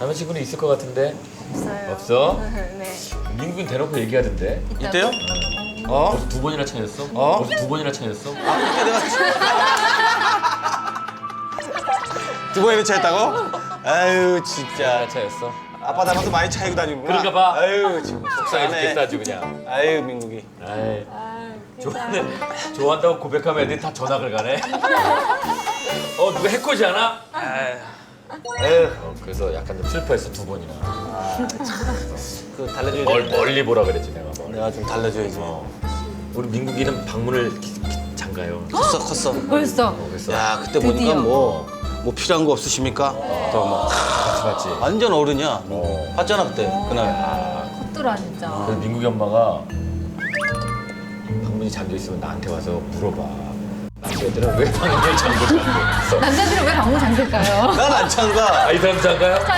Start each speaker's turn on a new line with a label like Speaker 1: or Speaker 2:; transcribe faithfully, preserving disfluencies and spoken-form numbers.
Speaker 1: 남자친구는 있을 것 같은데.
Speaker 2: 없어요.
Speaker 1: 없어?
Speaker 2: 네.
Speaker 1: 민국은 대놓고 얘기하던데.
Speaker 3: 이때요? 어?
Speaker 1: 벌써 두 번이나 차였어?
Speaker 3: 어?
Speaker 1: 벌써 두 번이나 차였어?
Speaker 3: 아, 그때 내가 두 번이나 차였다고? 아유 진짜.
Speaker 1: 차였어?
Speaker 3: 아빠 닮아서 많이 차이고 다니구나.
Speaker 1: 그런가 봐.
Speaker 3: 아유 지금
Speaker 1: 속상해
Speaker 3: 속상하네.
Speaker 1: 죽겠어 아주 그냥.
Speaker 3: 아유 민국이.
Speaker 1: 아이, 좋아하는, 좋아한다고 고백하면 애들이 다 전학을 가네. 어, 누가 해코지 않아?
Speaker 3: 에휴.
Speaker 1: 어, 그래서 약간 좀 슬퍼했어, 두 번이나.
Speaker 3: 그 달래줘야
Speaker 1: 멀,
Speaker 3: 돼.
Speaker 1: 멀리 보라 그랬지, 내가 멀리.
Speaker 3: 내가 좀 달래줘야지.
Speaker 1: 어. 우리 민국이는 방문을 기- 기- 장가요.
Speaker 3: 컸어 컸어.
Speaker 2: 벌써.
Speaker 1: 어, 그래서
Speaker 3: 야 그때 보니까
Speaker 2: 드디어.
Speaker 3: 뭐, 뭐 필요한 거 없으십니까? 또 뭐.
Speaker 1: 같이 봤지.
Speaker 3: 완전 어른이야.
Speaker 1: 어.
Speaker 3: 봤잖아 그때 그날.
Speaker 1: 아,
Speaker 2: 컸더라 진짜.
Speaker 1: 그래서 민국이 엄마가 방문이 잠겨 있으면 나한테 와서 물어봐. 남자애들은 왜 방문을 잠그냐고.
Speaker 2: 남자들은 왜 방문 잠글까요?
Speaker 3: 난 안 찬가.
Speaker 1: 아, 이 사람 잠가요?